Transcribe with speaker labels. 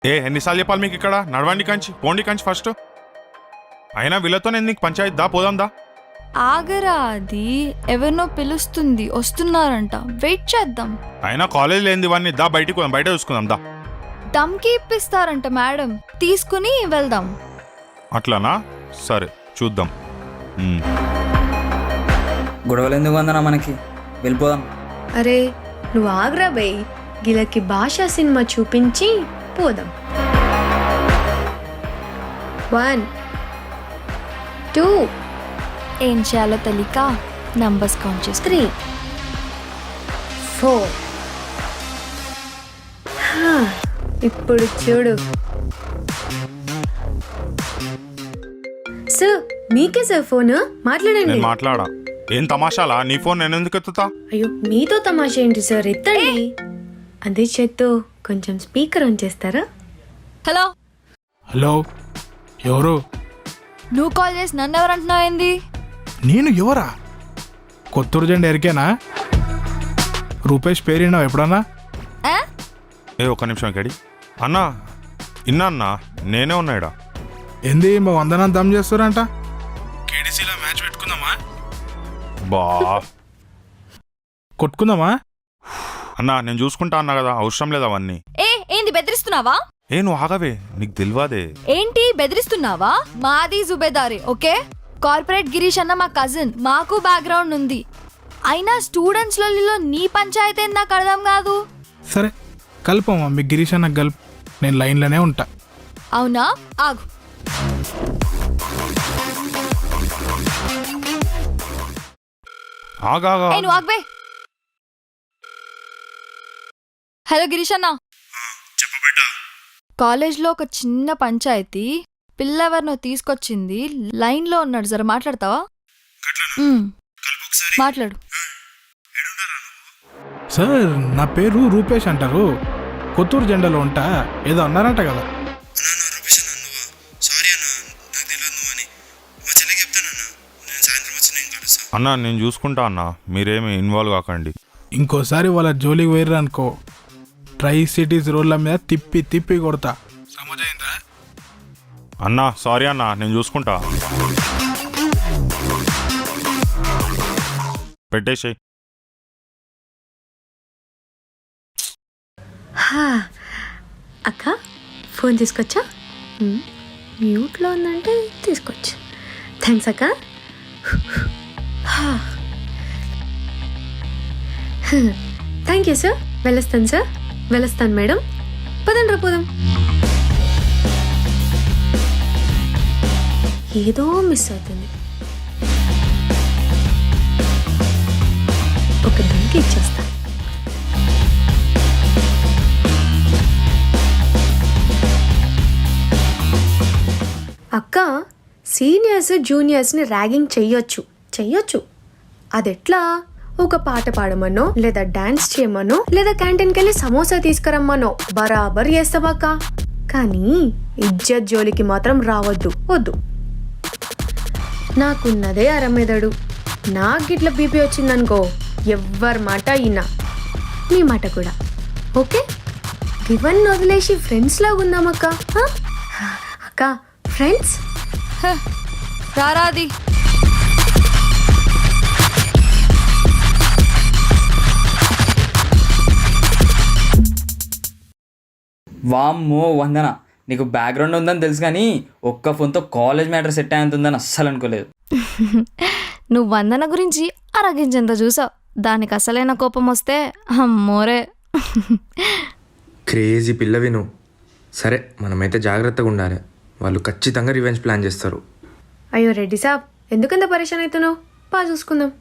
Speaker 1: ఎన్నిసార్లు చెప్పాలి మీకు ఇక్కడ నడవండి కంచి పోండి కంచి ఫస్ట్. అయినా వీళ్ళతో నేను నీకు పంచాయతీ దా పోదాందా.
Speaker 2: ఆగరా, అది ఎవరినో పిలుస్తుంది, వస్తున్నారంట, వెయిట్ చేద్దాం.
Speaker 1: అయినా కాలేజ్ లేనిది ఇవన్నీ దా బయటికి పోదాం, బయట చూసుకుందాం దా.
Speaker 2: దమ్కి ఇప్పిస్తారంట మేడం, తీసుకుని వెళ్దాం.
Speaker 1: అట్లానా, సరే చూద్దాం.
Speaker 3: గొడవలు ఎందుకు వందనా, మనకి వెళ్ళిపోదాం.
Speaker 4: అరే నువ్వు ఆగ్రా బై, గిలకి భాషా సినిమా చూపించి పోదాం. 1 2
Speaker 2: ఏం చేయాలో తెలియక నంబర్స్ కౌంట్ చేసి
Speaker 4: 3 4. ఇప్పుడు చూడు సార్, మీకే సార్ ఫోన్, మాట్లాడండి.
Speaker 1: నేను మాట్లాడా. ఏం తమాషాలా, నీ ఫోన్ నేను ఎందుకు ఎత్తుతా?
Speaker 4: అయ్యో మీతో తమాషా ఏంటి సార్, ఎత్తండి. అదే చేత్తో కొంచెం స్పీకర్ ఆన్ చేస్తారా?
Speaker 2: హలో
Speaker 5: హలో, ఎవరు?
Speaker 2: నువ్వు కాల్ చేసి నన్ను ఎవరు అంటున్నావు ఏంది?
Speaker 5: నేను ఎవరా? కొత్తూరు జెండా ఎరికేనా? రూపేష్ పేరినావు ఎప్పుడన్నా?
Speaker 1: ఒక్క నిమిషం ఇక్కడి అన్నా. ఇన్నా అన్నా, నేనే ఉన్నాయిడా.
Speaker 5: ఏంది మా వందనా దమ్ చేస్తారంట? కేడీసీలో మ్యాచ్ పెట్టుకుందామా?
Speaker 1: బా
Speaker 5: కొట్టుకుందామా?
Speaker 1: అన్నా నేను చూసుకుంటా అన్నా కదా, అవసరం లేదు అవన్నీ.
Speaker 2: ఏంది బెదిరిస్తున్నావా?
Speaker 1: నువ్వు ఆగవే, నీకు తెలియదే.
Speaker 2: ఏంటి బెదిరిస్తున్నావా? మాది జుబేదారే, ఓకే? కార్పొరేట్ గిరీష్ అన్న మా కజిన్, మాకు బ్యాక్గ్రౌండ్ ఉంది. అయినా స్టూడెంట్స్ లో నీ పంచాయతీ ఏంది నాకు అర్థం కాదు.
Speaker 5: సరే కలుపమ్మా, మీ గిరీష్ అన్న గల్ప్, నేను లైన్లోనే ఉంటా.
Speaker 2: అవునా, ఆగు.
Speaker 1: ఆగాగా.
Speaker 2: నువ్వు ఆగవే. హలో గిరీష్ అన్న, కాలేజ్లో ఒక చిన్న పంచాయతీ, పిల్లెవరినో తీసుకొచ్చింది, లైన్లో ఉన్నాడు, జర మాట్లాడతావా? మాట్లాడు.
Speaker 5: సార్ నా పేరు రూపేష్ అంటారు, కొత్తూరు జెండాలో ఉంటా. ఏదో అన్నారంట కదా?
Speaker 1: అన్నా నేను చూసుకుంటా అన్నా, మీరేమి ఇన్వాల్వ్ కాకండి.
Speaker 5: ఇంకోసారి వాళ్ళ జోలికి వేర్రు అనుకో, ట్రై సిటీస్ రోడ్ల మీద తిప్పి తిప్పి కొడతా. సమజైందా?
Speaker 1: అన్నా సారీ అన్నా, నేను చూసుకుంటా. పెట్టేసేయ్.
Speaker 4: అక్క ఫోన్ తీసుకొచ్చా? మ్యూట్లో ఉందంటే తీసుకొచ్చా. థ్యాంక్స్ అక్క. Thank you sir. వెళ్ళొస్తాను సార్, వెళ్ళొస్తాను మేడం. పదండ్రా పోదాం. ఏదో మిస్ అవుతుంది. ఒక దానికి ఇచ్చేస్తా. అక్క, సీనియర్స్ జూనియర్స్ని ర్యాగింగ్ చెయ్యొచ్చు. అదెట్లా? ఒక పాట పాడమనో, లేదా డాన్స్ చేయమనో, లేదా క్యాంటీన్కి వెళ్ళి సమోసా తీసుకురమ్మనో బరాబర్ చేస్తావక్క. కానీ ఇజ్జత్ జోలికి మాత్రం రావద్దు, వద్దు. నాకున్నదే అరమెదడు. నాకు గిట్ల బీపీ వచ్చిందనుకో, ఎవ్వరి మాట అయినా నీ మాట కూడా. ఓకే, ఇవన్నీ వదిలేసి ఫ్రెండ్స్ లాగా ఉందామక్క. అక్క ఫ్రెండ్స్
Speaker 2: రారాది.
Speaker 3: వామ్మో వందన, నీకు బ్యాక్గ్రౌండ్ ఉందని తెలుసు కానీ ఒక్క ఫోన్తో కాలేజ్ మ్యాటర్ సెట్ అయ్యేంతుందని అస్సలు అనుకోలేదు.
Speaker 2: నువ్వు వందన గురించి అరగించేంత చూసావు, దానికి అసలైన కోపం వస్తే అమ్మోరే.
Speaker 6: క్రేజీ పిల్లవి నువ్వు. సరే మనమైతే జాగ్రత్తగా ఉండాలి, వాళ్ళు ఖచ్చితంగా రివెంజ్ ప్లాన్ చేస్తారు.
Speaker 4: అయ్యో రెడ్డి సాబ్, ఎందుకంత పరేషాన్ అవుతున్నావు? చూసుకుందాం.